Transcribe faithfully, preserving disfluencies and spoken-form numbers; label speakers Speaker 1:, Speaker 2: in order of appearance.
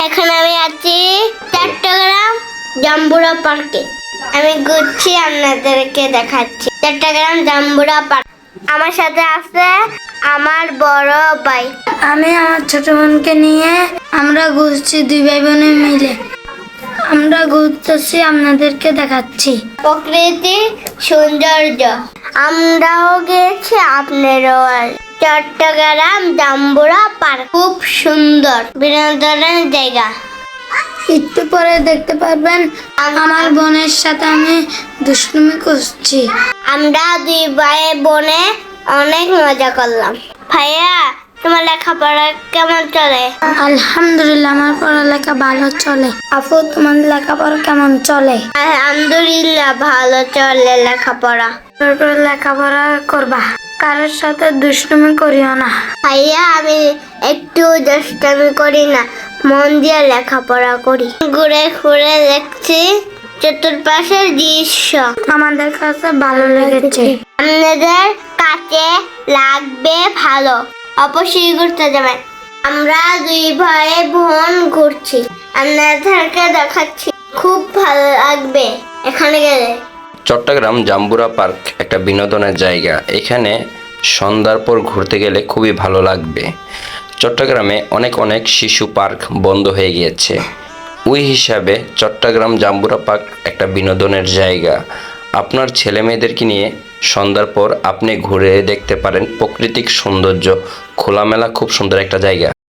Speaker 1: এখন আমি আছি চট্টগ্রাম জাম্বুরা পার্কে। আমি ঘুরছি, আপনাদেরকে দেখাচ্ছি চট্টগ্রাম জাম্বুরা পার্ক। আমার সাথে আছে আমার বড় ভাই,
Speaker 2: আমি আমার ছোট বোনকে নিয়ে আমরা ঘুরছি, দুই ভাই বোনে মিলে আমরা ঘুরতেছি, আপনাদেরকে দেখাচ্ছি
Speaker 1: প্রকৃতি সৌন্দর্য। আমরাও গেছি, আপনারও। চট্টগ্রাম জাম্বুরা পার্ক খুব সুন্দর বিনোদনের জায়গা।
Speaker 2: একটু পরে দেখতে পারবেন আমার বোনের সাথে আমি দুষ্টুমি করছি।
Speaker 1: আমরা দুই ভাই বোনে অনেক মজা করলাম। ভাইয়া, তোমার লেখাপড়া কেমন চলে?
Speaker 2: আলহামদুলিল্লাহ, আমার পড়ালেখা ভালো চলে। আপু, তোমার লেখাপড়া কেমন চলে?
Speaker 1: আলহামদুলিল্লাহ, ভালো চলে লেখাপড়া।
Speaker 2: করে লেখাপড়া করবা, কারোর সাথে দুষ্টুমি করিও না।
Speaker 1: ভাইয়া, আমি একটু দুষ্টামি করি না, মন দিয়ে লেখাপড়া করি। ঘুরে ঘুরে দেখছি চতুর্পাশের দৃশ্য,
Speaker 2: আমাদের কাছে ভালো লেগেছে।
Speaker 1: আপনাদের কাছে লাগবে ভালো, অবশ্যই ঘুরতে যাবেন। আমরা দুই ভাই বোন ঘুরছি, আপনাদেরকে দেখাচ্ছি, খুব ভালো লাগবে এখানে গেলে।
Speaker 3: চট্টগ্রাম জাম্বুরা পার্ক একটা বিনোদনের জায়গা। এখানে সন্ধ্যার পর ঘুরতে গেলে খুবই ভালো লাগবে। চট্টগ্রামে অনেক অনেক শিশু পার্ক বন্ধ হয়ে গিয়েছে, ওই হিসাবে চট্টগ্রাম জাম্বুরা পার্ক একটা বিনোদনের জায়গা। আপনার ছেলে মেয়েদেরকে নিয়ে সন্ধ্যার পর আপনি ঘুরে দেখতে পারেন প্রাকৃতিক সৌন্দর্য, খোলামেলা খুব সুন্দর একটা জায়গা।